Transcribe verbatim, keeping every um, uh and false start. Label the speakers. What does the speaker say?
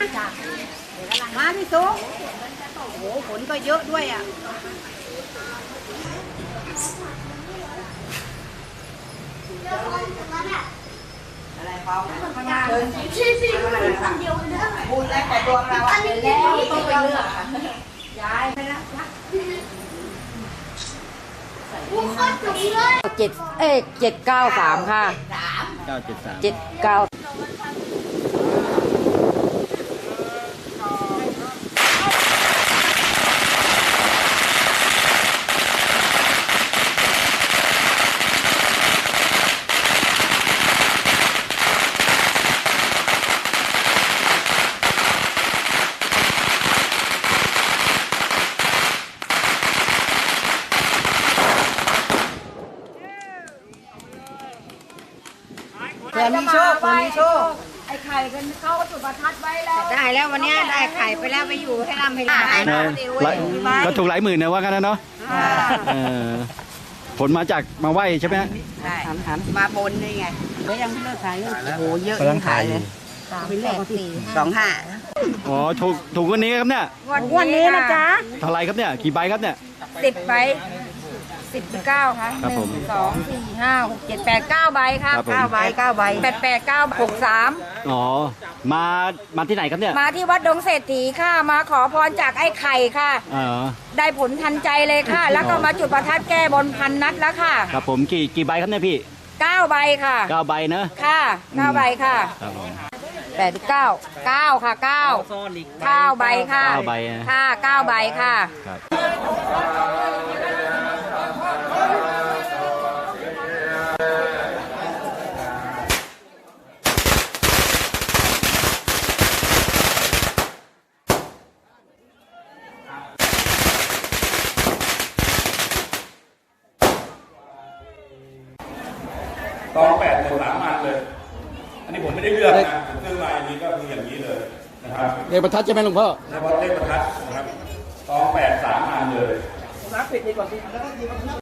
Speaker 1: มาพี่ซุกโอ้โหฝนก็เยอะด้วยอ่ะอะไรเขาข้างหน้าเลยพูดแล้วแต่ดวงเราอ่ะแล้วต้องไปเลือกย้ายไปแล้ว
Speaker 2: เจ็ดเอ๊ะเจ็ดเก้าสามค่ะ
Speaker 3: เก้าเจ็ดสาม
Speaker 2: เจ็ดเก้า
Speaker 1: เผื่อมีโชคเผื่อมีโชค
Speaker 2: ไอ้ไข่กันเขาก็จุดประทัดไว้แล้ว
Speaker 1: ได้แล้ววันนี้ได้ไข่ไปแล้วไปอยู่ให้ร่ำให้รวย
Speaker 3: ก็ถูกหลายหมื่นนะว่ากันนะเนาะผลมาจากมาไหวใช่ไหมฮะ
Speaker 1: ใช่มาบนนี่ไงก็ยังเลิกขายเลยโอ้โหเยอะยังขายเลย
Speaker 2: สามแปดสี่
Speaker 1: สองห้า
Speaker 3: อ๋อถูกถูกวันนี้ครับเนี่ย
Speaker 2: วันนี้นะจ๊ะ
Speaker 3: เท่าไรครับเนี่ยกี่ใบครับเนี่ย
Speaker 2: สิบใบสิบเก้าค่ะหนึ่งสองสี่ห้าหกเจ็ดแปดเก้าใบค่ะ
Speaker 1: เก้าใบเก้าใบ
Speaker 2: แปดแปดเก้าหกสาม
Speaker 3: อ๋อมามาที่ไหนครับเนี่ย
Speaker 2: มาที่วัดดงเศรษฐีค่ะมาขอพรจากไอ้ไข่ค่ะ
Speaker 3: อ๋อ
Speaker 2: ได้ผลทันใจเลยค่ะ แล้วก็มาจุดประทัดแก้บนพันนัดแล้วค่ะ
Speaker 3: ครับผมกี่กี่ใบครับเนี่ยพี่
Speaker 2: เก้าใบค่ะ
Speaker 3: เก้าใบเนอะ
Speaker 2: ค่ะเก้าใบค่ะแปดเก้าเก้าค่ะเก้าเก้าใบค่ะ
Speaker 3: เก้าใบ
Speaker 2: ค่ะเก้าใบค่ะ
Speaker 4: ตองแปดหมดสามอันเลย อันนี้ผมไม่ได้เลือกนะผมซื้อมาอันนี้ก็คืออย่างนี้เลยนะครับ
Speaker 3: เลขประทัดใช่ไหมหลวงพ่อ
Speaker 4: เฉพาะเลขประทัดนะครับตองแปดสามอันเลย